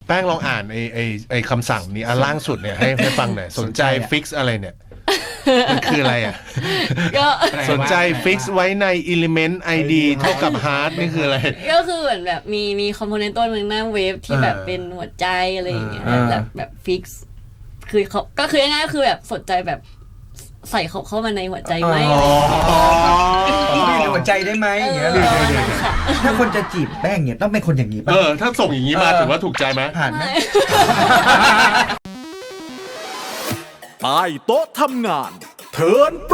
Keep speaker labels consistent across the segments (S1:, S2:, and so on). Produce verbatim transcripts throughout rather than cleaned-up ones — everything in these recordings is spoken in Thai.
S1: แป้งลองอ่านไอ้ไอ้ไอ้คำสั่งนี้อันล่างสุดเนี่ยให้ให้ฟังหน่อยสนใจฟิกซ์อะไรเนี่ยมันคืออะไรอ่ะ
S2: ก็
S1: สนใจฟิกซ์ไว้ใน element ไอ ดี เท่ากับ hard นี่คืออะไร
S2: ก็คือเหมือนแบบมีมีคอมโพเนนต์ต้นหนึ่งหน้าเว็บที่แบบเป็นหัวใจอะไรอย่างเงี้ยแบบแบบฟิกซ์คือเขาก็คือง่ายๆก็คือแบบสนใจแบบใส่เขาเข้ามาในหัวใจไหม
S3: มีหัวใจได้ไหมอย่างเงี้ยถ้าคนจะจีบแป้งเนี่ยต้องเป็นคนอย่างนี้ป่ะ
S1: เออถ้าส่งอย่างนี้มาถือว่าถูกใจไหม
S3: ผ่านไหม
S4: ใต้โต๊ะทำงานเทิร์นโปร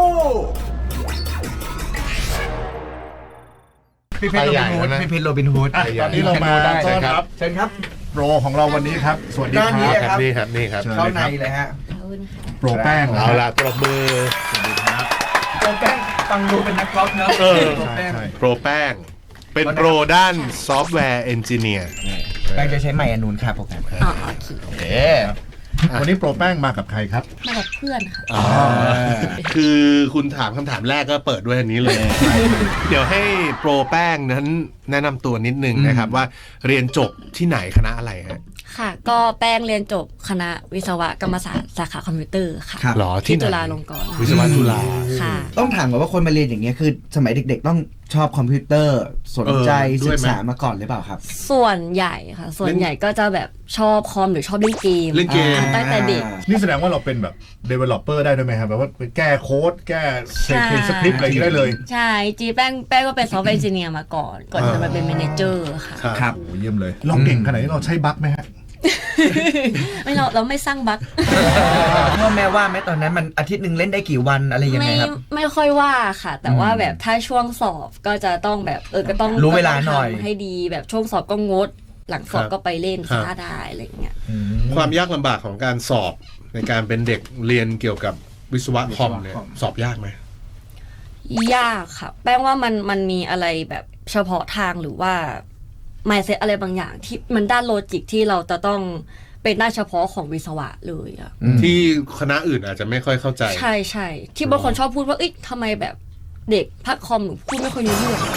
S3: พี่เพชรโรบินฮูดพี่เพชรโรบินฮูด
S5: ตอนนี้เรามาต้อนรับ
S3: เชิญครับ
S5: โปรของเราวันนี้ครับสวัสดีครับ
S1: นี่ครับนี่ครับ
S3: เข้าในเลยฮะ
S5: โปรแป้ง
S1: เอาละปรบมือ
S5: สวัสดีครับ
S3: โปรแป้งฟังดูเป็นนักกอล์ฟเนอะโปรแป้ง
S1: โปรแป้งเป็นโปรด้านซอฟต์แวร์เอนจิเนียร์
S3: แป้งจะใช้ไมค์อนูนค่ะโปรแกรม
S2: อ๋อ
S3: โอเค
S5: วันนี้โปรแป้งมากับใครครับ
S2: มากับเพื่อนค่ะ
S1: คือคุณถามคำถามแรกก็เปิดด้วยอันนี้เลยเดี๋ยวให้โปรแป้งนั้นแนะนำตัวนิดนึงนะครับว่าเรียนจบที่ไหนคณะอะไรฮะ
S2: ค่ะก็แป้งเรียนจบคณะวิศวกรรมศาสตร์สาขาคอมพิวเตอร์ค่ะ
S1: หรอ
S2: ที่จุฬาลงกรณ์
S1: วิศวะจุฬา
S2: ค่ะ
S3: ต้องถามก่อนว่าคนมาเรียนอย่างเงี้ยคือสมัยเด็กๆต้องชอบคอมพิวเตอร์สนใจศึกษามาก่อนหรือเปล่าครับ
S2: ส่วนใหญ่ค่ะส่วนใหญ่ก็จะแบบชอบคอมหรือชอบเล่นเกม
S1: เล่นเกม
S2: ตั้งแต่เด็ก
S5: นี่แสดงว่าเราเป็นแบบ developer ได้ด้วยไหมครับแบบว่าแก้โค้ดแก้เขียนสคริปต์อะไรได้เลย
S2: ใช่จีแป้งแป้งก็เป็นซอฟต์แวร์เอนจิเนียร์มาก่อนก่อนจะมาเป็นแมเนเจอร์ค่ะ
S5: ครับโอ้เยี่ยมเลยเราเก่งขนาดนี้เราใช้บั๊กไหมฮะ
S2: ไม่เราเราไม่สร้างบั๊ก
S3: พ่อแม่ว่าไหมตอนนั้นมันอาทิตย์หนึ่งเล่นได้กี่วันอะไรยังไงครับ
S2: ไม่ค่อยว่าค่ะแต่ว่าแบบถ้าช่วงสอบก็จะต้องแบบเออก็ต้อง
S3: รู้เวลาหน่อย
S2: ให้ดีแบบช่วงสอบก็งดหลังสอบก็ไปเล่นช้าได้อะไรเงี้ย
S1: ความยากลำบากของการสอบในการเป็นเด็กเรียนเกี่ยวกับวิศวะคอมเนี่ยสอบยากไหม
S2: ยากค่ะแป้งว่ามันมันมีอะไรแบบเฉพาะทางหรือว่าmindset อะไรบางอย่างที่มันด้านโลจิกที่เราจะต้องเป็นด้านเฉพาะของวิศวะเลยอะ
S1: ที่คณะอื่นอาจจะไม่ค่อยเข้าใจ
S2: ใช่ใช่ที่บางคนชอบพูดว่าเอ้ยทำไมแบบเด็กภาคคอมหนูพูดไม่ค่อยรู้เรื่อง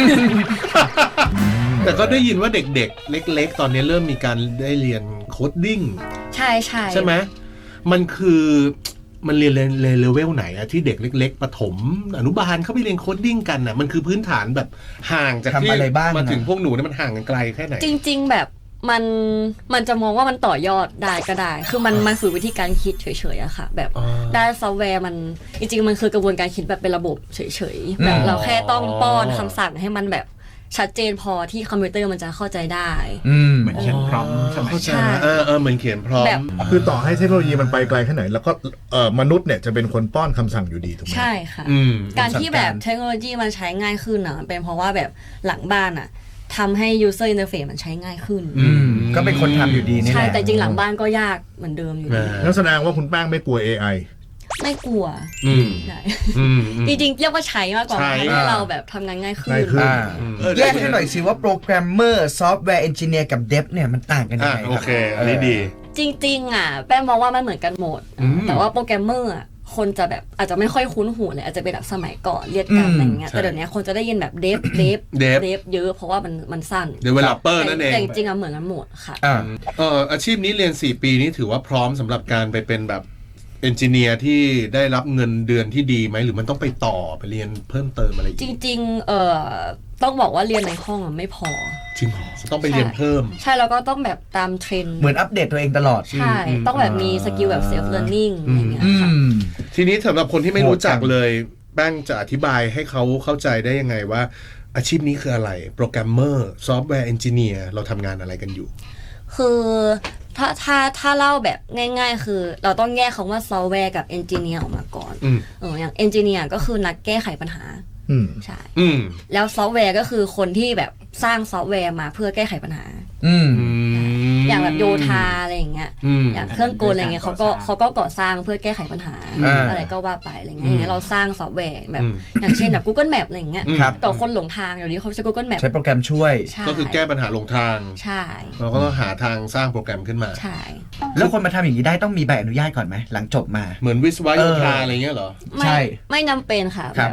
S1: แต่ก็ได้ยินว่าเด็กๆเล็กๆตอนนี้เริ่มมีการได้เรียนโคดดิ้ง
S2: ใช่ใช่
S1: ใช่ไหมมันคือมันเรียนเลเวลไหนอะที่เด็กเล็กๆประถมอนุบาลเข้าไปเรียนโคดดิ้งกันอะมันคือพื้นฐานแบบห่างจากที่มาถึงพวกหนูเนี่ยมันห่างกันไกลแค่ไหน
S2: จริงๆแบบมันมันจะมองว่ามันต่อยอดได้ก็ได้คือมันมันฝึกวิธีการคิดเฉยๆอะค่ะแบบด้านซอฟต์แวร์มันจริงๆมันคือกระบวนการคิดแบบเป็นระบบเฉยๆแบบเราแค่ต้องป้อนคำสั่งให้มันแบบชัดเจนพอที่คอมพิวเตอร์มันจะเข้าใจได้
S5: เหมือนเขียนพร้อมใช่ไหม
S1: ใช่เออเออเหมือนเขียนพร้อม
S5: คือต่อให้เทคโนโลยีมันไปไกลแค่ไหนแล้วก็เอ่อมนุษย์เนี่ยจะเป็นคนป้อนคำสั่งอยู่ดีถูกไหม
S2: ใช่ค่ะการที่แบบเทคโนโลยีมันใช้ง่ายขึ้นนะเป็นเพราะว่าแบบหลังบ้านอะทำให้ user interface มันใช้ง่ายขึ้น
S3: ก็เป็นคนทำอยู่ดีนี่แหละ
S2: ใช่แต่จริงหลังบ้านก็ยากเหมือนเดิมอยู่ดี
S5: นั่นแสดงว่าคุณแป้งไม่กลัว เอ ไอ
S2: ไม่กลัวจริงๆเรียกว่าใช้มากกว่าให้เราแบบทำงานง่ายขึ้น
S3: แยกให้หน่อยสิว่าโปรแกรมเมอร์ซอฟต์แวร์เอนจิเนียร์กับเดฟเนี่ยมันต่างกันยังไง
S1: โอเคอันนี้ดี
S2: จริงๆอ่ะแป้งมองว่ามันเหมือนกันหมดแต่ว่าโปรแกรมเมอร์คนจะแบบอาจจะไม่ค่อยคุ้นหูเลยอาจจะเป็นแบบสมัยก่อนเรียกกันอะไรเงี้ยแต่เดี๋ยวนี้คนจะได้ยินแบบเดฟเดฟเดฟเยอะเพราะว่ามันมันสั้น
S1: developer นั่นเอง
S2: แต่จริงๆอ่ะเหมือนกันหมดค่ะ
S1: เอออาชีพนี้เรียนสี่ปีนี้ถือว่าพร้อมสำหรับการไปเป็นแบบเอนจิเนียร์ที่ได้รับเงินเดือนที่ดีไหมหรือมันต้องไปต่อไปเรียนเพิ่มเติมอะไร
S2: จริงๆเอ่อต้องบอกว่าเรียนในห้องมันไม่พอ
S1: จริงเหรอต้องไปเรียนเพิ่ม
S2: ใช่แล้วก็ต้องแบบตามเทรนด์
S3: เหมือนอัปเดตตัวเองตลอด
S2: ใช่ต้องแบบมีสกิลแบบเซลฟ์เลิร์นนิ่งอย่างเงี้ยค่ะ
S1: ทีนี้สำหรับคนที่ไม่รู้จักเลยแป้งจะอธิบายให้เขาเข้าใจได้ยังไงว่าอาชีพนี้คืออะไรโปรแกรมเมอร์ซอฟต์แวร์เอนจิเนียร์เราทำงานอะไรกันอยู่
S2: คือถ้าถ้าถ้าเล่าแบบง่ายๆคือเราต้องแยกคำว่าซอฟต์แวร์กับเอนจิเนียร์ออกมาก่อนเอออย่างเอนจิเนียร์ก็คือนักแก้ไขปัญหาใช่แล้วซอฟต์แวร์ก็คือคนที่แบบสร้างซอฟต์แวร์มาเพื่อแก้ไขปัญหาอย่างแบบโยธาอะไรอย่างเงี้ยอย่างเครื่องกลอะไรเงี้ยเขาก็เขาก็ก่อสร้างเพื่อแก้ไขปัญหาอะไรก็ว่าไปอะไรเงี้ยอย่างเงี้ยเราสร้างซอฟต์แวร์แบบอย่างเช่นแบบ Google Map อะไรอย่างเงี้ยต่อคนหลงทางเดี๋ยวนี้เขาใช้ Google Map
S3: ใช้โปรแกรมช่วย
S1: ก็คือแก้ปัญหาหลงทาง
S2: ใช่
S1: เราก็ต้องหาทางสร้างโปรแกรมขึ้นมา
S2: ใช่
S3: แล้วคนมาทำอย่างนี้ได้ต้องมีใบอนุญาตก่อนไหมหลังจบมา
S1: เหมือนวิศวะโยธาอะไรเงี้ยเหรอ
S2: ใช่ไม่จำเป็นค่ะแบบ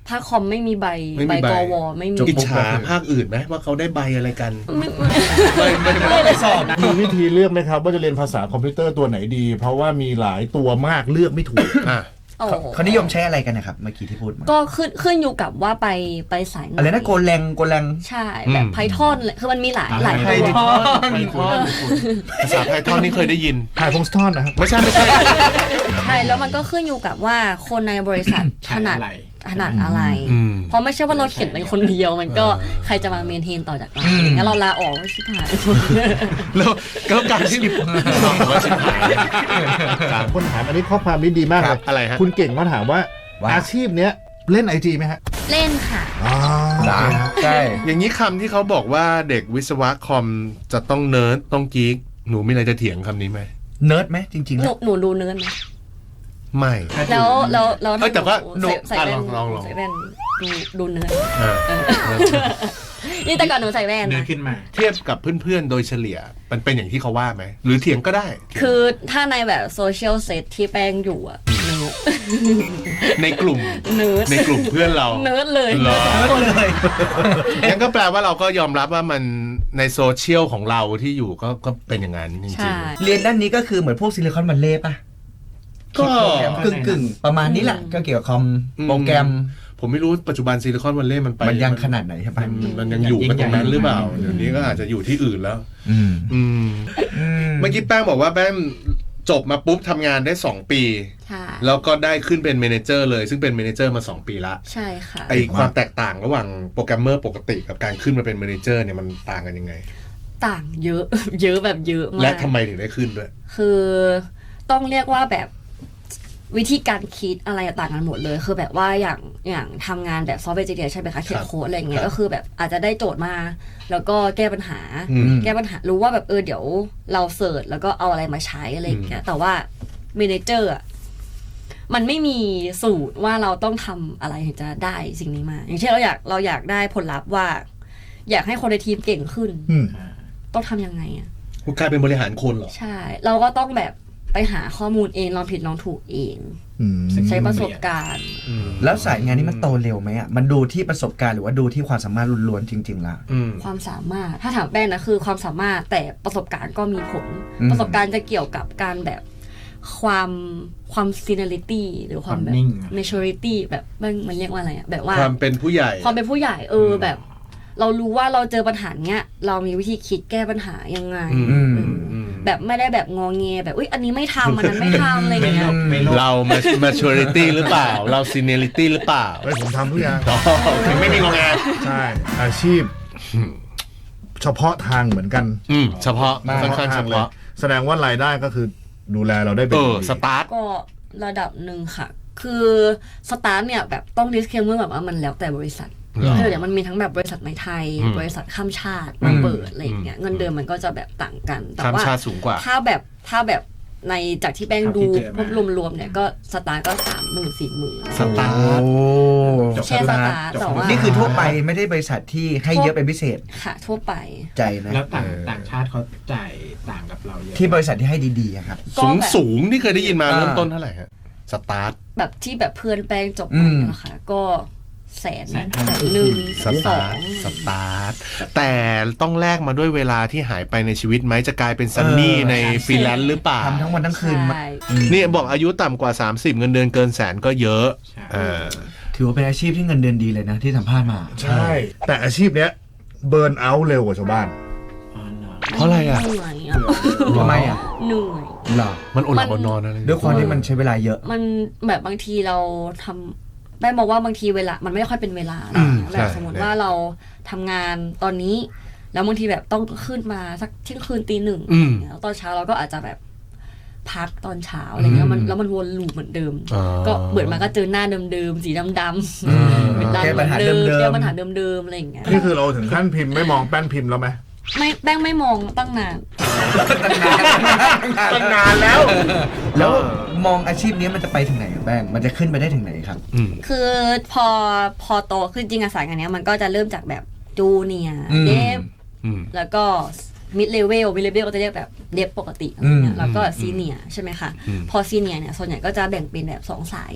S2: ภาคคอมไม่มีใบ
S1: ไม่มี
S2: ใบ
S1: ใบ
S2: กวไม่มี
S1: อิจฉาภาคอื่นไหมว่าเขาได้ใบอะไรกัน
S2: ไม่ไม่
S1: ไม่ไม่ไม่
S2: ไม่สอบ
S5: มีวิธีเลือกไหมครับว่าจะเรียนภาษาคอมพิวเตอร์ตัวไหนดี เพราะว่ามีหลายตัวมากเลือกไม่ถูก
S1: อ่ะ
S2: โอ้
S3: เขาเขานิยมใช้อะไรกันนะครับเมื่อกี้ที่พูดมา
S2: ก็ขึ้นขึ้นอยู่กับว่าไปไปสายไหน
S3: อะไรนะโกแรงโกแรง
S2: ใช่แบบไพทอนคือมันมีหลายหลาย
S3: ไพ
S2: ตัว
S3: ทอน
S1: ภาษาไพทอนนี่เคยได้ยิน
S5: ถ่ายฟงสทอนนะครับ
S1: ไม่ใช่ไม่ใช่
S2: ใช่แล้วมันก็ขึ้นอยู่กับว่าคนในบริษัทถนัดถนัดอะไร
S1: อืม
S2: เพราะไม่ใช่ว่าเราเขียนเป็นคนเดียวมันก็ใครจะมาเมนเทนต่อจากเราอย่างเงี้ยเราลาออกไม่ชิบหาย
S1: แล้วแล้วการที่ว่าชิบหาย
S5: คนถามอันนี้ข้อความนี้ดีมากเลย
S1: อะไรฮะ
S5: คุณเก่งมาถามว่า
S3: ว่า
S5: อาชีพเนี้ยเล่นไอจีไหมฮะ
S2: เล่นค่ะ
S5: อ๋อ
S3: ใช่
S1: อย่างนี้คำที่เขาบอกว่าเด็กวิศวะคอมจะต้องเนิร์ดต้องกิ๊กหนูมีอะไรจะเถียงคำนี้ไหม
S3: เนิร์ดไหมจริงๆ
S2: หนู
S3: แล้ว
S2: หนูดูเนื้อไหม
S1: ไม่
S2: แล้วแล้วแล้ว
S1: เอ้ยแต่ว่า
S2: หนูใส่
S1: อ่ะ
S2: ใส่แว่น
S1: ลองลอง
S2: ใส่แว่นดูดูเนื้อ
S1: เออ
S2: นี่แต่ก่อนหนูใส่แว่น
S6: เนื้อ
S2: นะ
S6: ขึ้นมา
S1: เทียบกับเพื่อนๆโดยเฉลี่ยมันเป็นอย่างที่เขาว่าไหมหรือเถียงก็ได้
S2: คือถ้าในแบบโซเชียลเซตที่แป้งอยู่อะเนื้อ
S1: ในกลุ่ม
S2: เนื้อ
S1: ในกลุ่มเพื่อนเรา
S2: เนื้อเลย
S1: เหรอ
S3: เลย
S1: งั้นก็แปลว่าเราก็ยอมรับว่ามันในโซเชียลของเราที่อยู่ก็ก็เป็นอย่างนั้นจริง
S2: ใช่
S3: เรียนด้านนี้ก็คือเหมือนพวกซิลิคอนวัลเลย์ป่ะ
S1: ๆก็
S3: กึ่งกึ่งๆประมาณนี้แหละก็เกี่ยวกับคอมโปรแกรม
S1: ผมไม่รู้ปัจจุบันซิลิคอนวัลเลย์มันไป
S3: มันยังขนาดไหนใช่ปะ
S1: มันมันยังอยู่กันตรงนั้นหรือเปล่าเดี๋ยวนี้ก็อาจจะอยู่ที่อื่นแล้ว
S3: อืม
S1: อืมเมื่อกี้แป้งบอกว่าแป้งจบมาปุ๊บทำงานได้สองปี
S2: ใช่
S1: แล้วก็ได้ขึ้นเป็นเมเนเจอร์เลยซึ่งเป็นเมเนเจอร์มาสองปีละ
S2: ใช่ค่ะ
S1: ไอความแตกต่างระหว่างโปรแกรมเมอร์ปกติกับการขึ้นมาเป็นเมเนเจอร์เนี่ยมันต่างกันยังไง
S2: ต่างเยอะ เยอะแบบเยอะมาก
S1: และทำไมถึงได้ขึ้นด้วย
S2: คือต้องเรียกว่าแบบวิธีการคิดอะไรต่างกันหมดเลย คือแบบว่าอย่างอย่างทำงานแบบซอฟต์แวร์เอนจิเนียร์ใช่ไหมคะเขียนโค้ดอะไรเงี้
S1: ครั
S2: ย
S1: บ
S2: ก็คือแบบอาจจะได้โจทย์มา แล้วก็แก้ปัญหา
S1: อืม
S2: แก้ปัญหารู้ว่าแบบเออเดี๋ยวเราเสิร์ชแล้วก็เอาอะไรมาใช้อะไรอย่างเงี้ยแต่ว่าเมเนเจอร์อะมันไม่มีสูตรว่าเราต้องทำอะไรถึงจะได้สิ่งนี้มา อย่างเช่นเราอยากเราอยากได้ผลลัพธ์ว่า อยากให้คนในทีมเก่งขึ้น
S5: อืม
S2: ต้องทำยังไงอะ
S1: คุณกลายเป็นบริหารคนเหรอ
S2: ใช่ เราก็ต้องแบบไปหาข้อมูลเองลองผิดลองถูกเอง
S5: อืม
S2: ใช้ประสบการณ์
S3: แล้วสายงานนี้มันโตเร็วไหมอ่ะมันดูที่ประสบการณ์หรือว่าดูที่ความสามารถล้วนๆจริงๆละ
S1: อืม
S2: ความสามารถถ้าถามแป้งนะคือความสามารถแต่ประสบการณ์ก็มีผล
S3: อืม
S2: ประสบการณ์จะเกี่ยวกับการแบบความความ seniority หรือความแบบ
S6: ความนิ่ง
S2: maturity แบบมันมันเรียกว่าอะไรอะแบบว่า
S1: ความเป็นผู้ใหญ่
S2: ความเป็นผู้ใหญ่เออแบบ เรารู้ว่าเราเจอปัญหาเนี้ยเรามีวิธีคิดแก้ปัญหายังไง
S1: อืม
S2: เอออแบบไม่ได้แบบงอแงแบบอุ้ยอันนี้ไม่ทำอันนั้นไม่ทำอะไรอย่างเงี้ย
S6: ไม่ลบ
S1: เรา maturity หรือเปล่า เรา seniority หรือเปล่า
S5: เฮ้ยผมทำทุกอย่าง
S1: อ๋อถึงไม่มีงงแง
S5: ใช่ อาชีพ เฉพาะทางเหมือนกัน
S1: อืมเฉพาะค่อนข้างเฉ
S5: เลย
S1: พาะ
S5: แสดงว่ารายได้ก็คือดูแลเราได้เป็น
S1: เอ
S5: อย่าง
S1: อ
S5: ดี
S1: สตาร์ท
S2: ก็ระดับหนึ่งค่ะ คือสตาร์ทเนี่ยแบบต้อง disclaimer แบบว่ามันแล้วแต่บริษัท
S1: เหรอ
S2: คือเดี๋ยวมันมีทั้งแบบบริษัทในไทย
S1: อืม
S2: บริษัทข้ามชาติมาเปิดอะไรอย่างเงี้ย เงินเดือนมันก็จะแบบต่างกัน แต่
S1: ข้าม
S2: ว่า
S1: ชาติสูงกว่า
S2: ถ้าแบบถ้าแบบในจากที่แป้ง
S6: เท่า
S2: ดู
S6: ที่เจอ
S2: พ
S6: มา
S2: วกรวมๆเนี่ยก็สตาร์ทก็สามหมื่นสี่หมื่น
S1: สตาร์ท
S3: โอ้
S2: แค่สตาร์ทแต่ว่า
S3: นี่คือทั่วไปไม่ได้บริษัทที่ให้เยอะเป็นพิเศษ
S2: ค่ะทั่วไป
S3: ใจนะ
S6: แล้วต่างต่างชาติเขาจ่ายต่างกับเราเยอะ
S3: ที่บริษัทที่ให้ดีๆอะครับ
S2: ก็
S1: สูง
S2: แบบ
S1: สูงนี่เคยได้ยินมา
S3: อ่า
S1: เริ่มต้นเท่าไหร่ฮะสตาร์ท
S2: แบบที่แบบเพื่อนแป้งจบ
S3: อื
S2: มาม นะคะก็แสนแสนหนึ่ง
S1: ส
S2: ส
S1: ตา
S2: อ
S1: ร์
S2: ง
S1: ทสตาร์ทแต่ต้องแลกมาด้วยเวลาที่หายไปในชีวิตไหมจะกลายเป็นซันนี่
S3: เออ
S1: ในฟรีแลนซ์หรือเปล่า
S3: ทำทั้งวันทั้งคืนมา
S2: ใช่
S1: นี่บอกอายุต่ำกว่า สามสิบ เงินเดือนเกินแสนก็เยอะ
S6: ใช่
S1: เออ
S3: ถือว่าเป็นอาชีพที่เงินเดือนดีเลยนะที่สัมภาษณ์มา
S5: ใช่ แต่อาชีพเนี้ยเบิร์นเอาท์เร็วกว่าชาวบ้าน
S6: อ๋อเหรอ
S1: เพราะอะไรอ่ะ
S2: เหนื่อยอะ
S3: ทำไมอ่ะ
S2: เหนื่อย
S3: เหรอ
S1: มันอดหลับอดนอนอะไร
S3: ด้วยความที่มันใช้เวลาเยอะ
S2: มันแบบบางทีเราทำแม่บอกว่าบางทีเวลามันไม่ค่อยเป็นเวลา
S1: อืม
S2: แบ
S1: ใช่
S2: บสมมติว่าเราทำงานตอนนี้ แล้วบางทีแบบต้องขึ้นมาสักเที่ยงคืนตีหนึ่ง
S1: อืม
S2: แล้วตอนเช้าเราก็อาจจะแบบพักตอนเช้าอะไรเงี้ยมันแล้วมันวนลูปเหมือนเดิม
S1: อ๋อ
S2: ก็เบิดมาก็เจอหน้าเดิมๆสีดำ
S3: อืม
S2: ๆเป็นร้าน
S3: แก้ปัญหา
S2: เหมือน
S3: เดิมๆ
S2: แก้ปัญหาเดิมๆอะไรอย่างเงี้ย
S5: นี่คือเราถึงขั้นพิมพ์ไม่มองแป้นพิมพ์แล้วไหม
S2: ไม่แป้งไม่มองตั้งนาน
S5: ตั้งนานแล้ว
S3: แล้วมองอาชีพนี้มันจะไปถึงไหนอะแป้งมันจะขึ้นไปได้ถึงไหนครับ
S1: อืม
S2: คือพอพอโตขึ้นจริงอะสายงานเนี้ยมันก็จะเริ่มจากแบบจูเนียร์
S3: อืม
S2: เดฟ
S1: อืม
S2: แล้วก็มิดเลเวลมิดเลเวลก็จะเรียกแบบเดฟปกติอะไรเงี้
S3: อื
S2: ย
S3: ม
S2: แล้วก็ซีเนียร์ใช่ไหมคะ
S1: อืม
S2: พอซีเนียร์เนี่ยส่วนใหญ่ก็จะแบ่งเป็นแบบสองสาย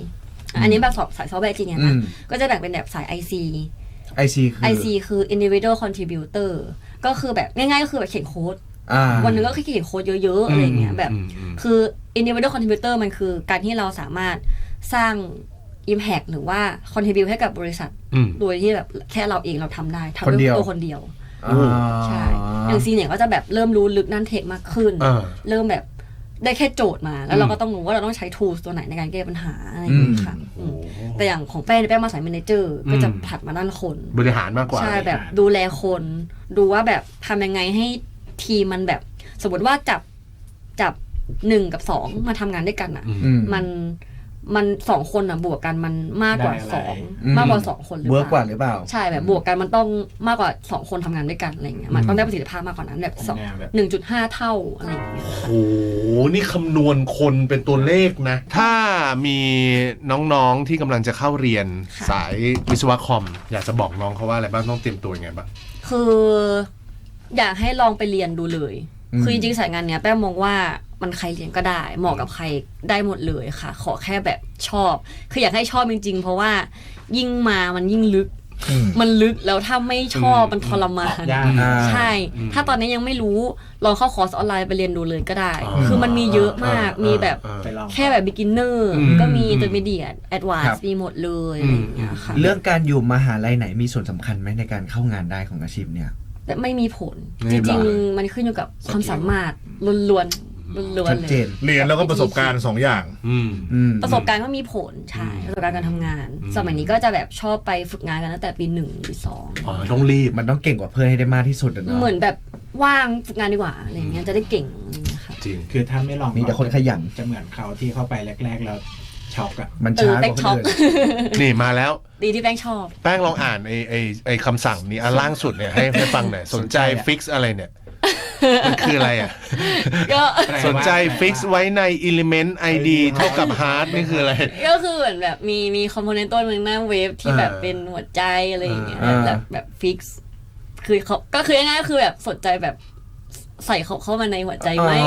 S2: อันนี้แบบสายซอฟต์แวร์จริงๆนะก็จะแบ่งเป็นแบบสาย ไอ ซี
S3: ไอ ซี คือ
S2: ไอ ซี คือ individual contributor ก็คือแบบง่ายๆก็คือแบบเขียนโค้ดวันหนึงก็เขียนโค้ดเยอะๆอะไรเงี้ยแบบคือ individual contributor มันคือการที่เราสามารถสร้าง impact หรือว่า contribute ให้กับบริษัทโดยที่แบบแค่เราเองเราทำได้ทำด้วยตัวคนเดียวใช่อย่างซีเนี่ยก็จะแบบเริ่มรู้ลึกนั่นเทคมากขึ้นเริ่มแบบได้แค่โจทย์มาแล้วเราก็ต้องรู้ว่าเราต้องใช้ tools ตัวไหนในการแก้ปัญหาอะไรอย่างเงี้ยค่ะแต่อย่างของแป้งแป้งมาสาย manager ก็จะผัดมาด้านคน
S1: บริหารมากกว่า
S2: ใช่แบบดูแลคนดูว่าแบบทำยังไงให้ทีมมันแบบสมมติว่าจับจับหนึ่งกับสองมาทำงานด้วยกันอ่ะมันมันสองคนอ่ะบวกกันมันมากกว่าสองมากกว่าสองคนหรือเปล่า
S3: เวิร์กกว่าหรือเปล่า
S2: ใช่แบบบวกกันมันต้องมากกว่าสองคนทำงานด้วยกันอะไรเงี้ยมันต้องได้ประสิทธิภาพมากกว่านั้นแบบสองหนึ่งจุดห้าเท่าอะไรอย่างเงี้ย
S1: โอ้โหนี่คำนวณคนเป็นตัวเลขนะถ้ามีน้องๆที่กำลังจะเข้าเรียนสายวิศวะคอมอยากจะบอกน้องเขาว่าอะไรบ้างต้องเตรียมตัวยังไงบ้าง
S2: คืออยากให้ลองไปเรียนดูเลยคือจริงๆสายงานเนี้ยแป้งมองว่ามันใครเรียนก็ได้เหมาะกับใครได้หมดเลยค่ะขอแค่แบบชอบคืออยากให้ชอบจริงๆเพราะว่ายิ่งมามันยิ่งลึกมันลึกแล้วถ้าไม่ชอบมันทรมานใช่ถ้าตอนนี้ยังไม่รู้ลองเข้าคอร์สออนไลน์ไปเรียนดูเลยก็ได้คือมันมีเยอะมากมีแบบแค่แบบ beginner ก็มี intermediate advanced มีหมดเลยอะไรอย่างเงี้ยค่ะ
S3: เรื่องการอยู่มหาลัยไหนมีส่วนสำคัญไหมในการเข้างานได้ของอาชีพเนี่ย
S2: แต่ไม่มีผลจริงๆมันขึ้นอยู่กับความสามารถล้วนๆล้วนๆเลย
S5: เรียนแล้วก็ประสบการณ์สองอย่าง
S2: ประสบการณ์ก็มีผลใช่ประสบการณ์การทำงานสมัยนี้ก็จะแบบชอบไปฝึกงานกันตั้งแต่ปีหนึ่งปีสอง
S1: อ๋อต้องรีบ
S3: มันต้องเก่งกว่าเพื่อนให้ได้มากที่สุด
S2: เหมือนแบบว่างฝึกงานดีกว่าอะไรเงี้ยจะได้เก่งนะคะ
S6: จริงคือถ้าไม่ลอง
S3: มีแต่คนขยัน
S6: จะเหมือนเขาที่เข้าไปแรกๆแล้วช็อกอะ
S3: มันช้ากว่าคนอื่น
S1: นี่มาแล้ว
S2: ดีที่แป้งชอบ
S1: แป้งลองอ่านไอไอไอคำสั่งนี้อันล่างสุดเนี่ยให้ให้ฟังหน่อยสนใจฟิกซ์อะไรเนี่ยมันคืออะไรอ่ะก็สนใจฟิกซ์ไว้ใน element ไอ ดี เท่ากับ hard นี่คืออะไร
S2: ก็คือเหมือนแบบมีมีคอมโพเนนต์ต้นหนึ่งหน้าเว็บที่แบบเป็นหัวใจอะไรอย่างเงี้ยแบบแบบฟิกซ์คือเขาก็คือง่ายๆก็คือแบบสนใจแบบใส่เขาเข้ามาในหัวใจไหม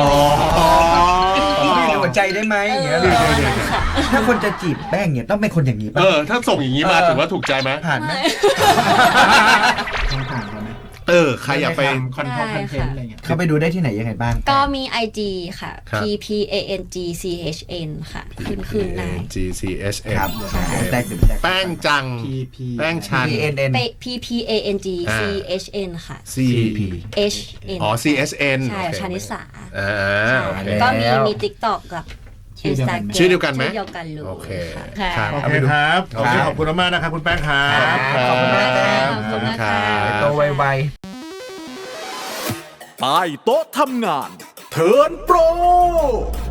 S3: หัวใจได้ไหมอย่างเงี้ยถ้าคนจะจีบแป้งเนี่ยต้องเป็นคนอย่างนี้ป่ะ
S1: เออถ้าส่งอย่างนี้มาถือว่าถูกใจไหม
S3: ผ่านไหม
S6: ผ่านไหม
S1: เออใครอยากไป
S6: คอนเทนต์อะไรเงี้ย
S3: เขาไปดูได้ที่ไหนยังไงบ้าง
S2: ก็มี ไอ จี ค่ะ p p a n g c h n ค่ะขึ้นขึ้นได้
S1: g c h n
S3: ครับ
S1: แป้งจังแป้งชัน
S2: p p a n g c h n ค่ะ
S1: c
S2: h n
S1: อ๋อ c h n
S2: ใช่ชานิสา
S1: อ่า
S2: ก็มีมี TikTok กับ
S1: ชื่อเดียวกันไหม
S2: ชื่อเดียวกันเลย
S1: โอเค
S5: ครับโอเคครับโอเคขอบคุณมากนะครับคุณแป้งครับ
S3: ขอบคุณมากครับ
S2: ขอบคุณครับ
S3: โตไว
S4: ๆใต้โต๊ะทำงานเทิร์นโปร